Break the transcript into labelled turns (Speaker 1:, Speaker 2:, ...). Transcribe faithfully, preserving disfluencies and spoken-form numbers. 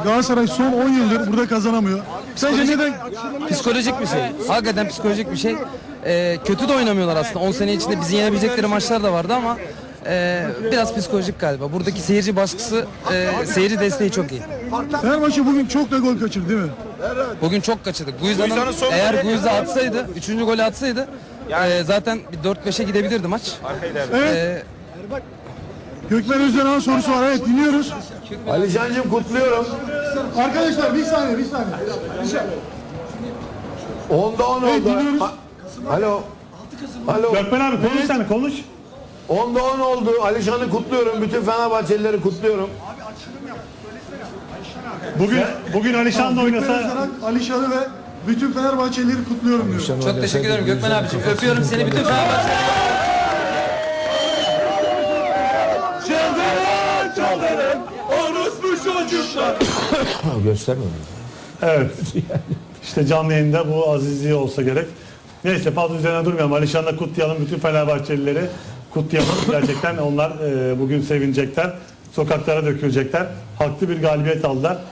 Speaker 1: Galatasaray son on yıldır burada kazanamıyor. Sence neden?
Speaker 2: Psikolojik bir şey. Hakikaten psikolojik bir şey. Ee, kötü de oynamıyorlar aslında. on sene içinde bizi yenebilecekleri maçlar da vardı ama e, biraz psikolojik galiba. Buradaki seyirci baskısı, e, seyirci desteği çok iyi.
Speaker 1: Fenerbahçe bugün çok da gol kaçırdı değil mi?
Speaker 2: Bugün çok kaçırdık. Guiza'nın eğer Guiza atsaydı, üçüncü golü atsaydı e, zaten bir dört beşe gidebilirdi maç.
Speaker 1: Evet.
Speaker 2: E,
Speaker 1: Gökmen Özden'in sorusu var. Evet, dinliyoruz.
Speaker 3: Alican'cığım kutluyorum.
Speaker 1: Arkadaşlar bir saniye, bir saniye.
Speaker 3: Onda on
Speaker 1: Evet,
Speaker 3: oldu.
Speaker 1: dinliyoruz.
Speaker 3: Ha- Alo. Alo.
Speaker 4: Gökmen abi konuş sen konuş.
Speaker 3: Onda on oldu. Alişan'ı kutluyorum. Bütün Fenerbahçelileri kutluyorum.
Speaker 4: Bugün bugün Alişan da
Speaker 1: Gökmen
Speaker 4: oynasa
Speaker 1: Özden'in Alişan'ı ve bütün Fenerbahçelileri kutluyorum diyor.
Speaker 2: çok teşekkür ederim Gökmen abiciğim. Öpüyorum seni bütün Fenerbahçe.
Speaker 3: Göstermiyor.
Speaker 4: evet. İşte canlı yayında bu azizliği olsa gerek. Neyse fazla üzerine durmayalım. Alişan'la kutlayalım. Bütün Fenerbahçelileri kutlayalım. Gerçekten onlar e, bugün sevinecekler. Sokaklara dökülecekler. Haklı bir galibiyet aldılar.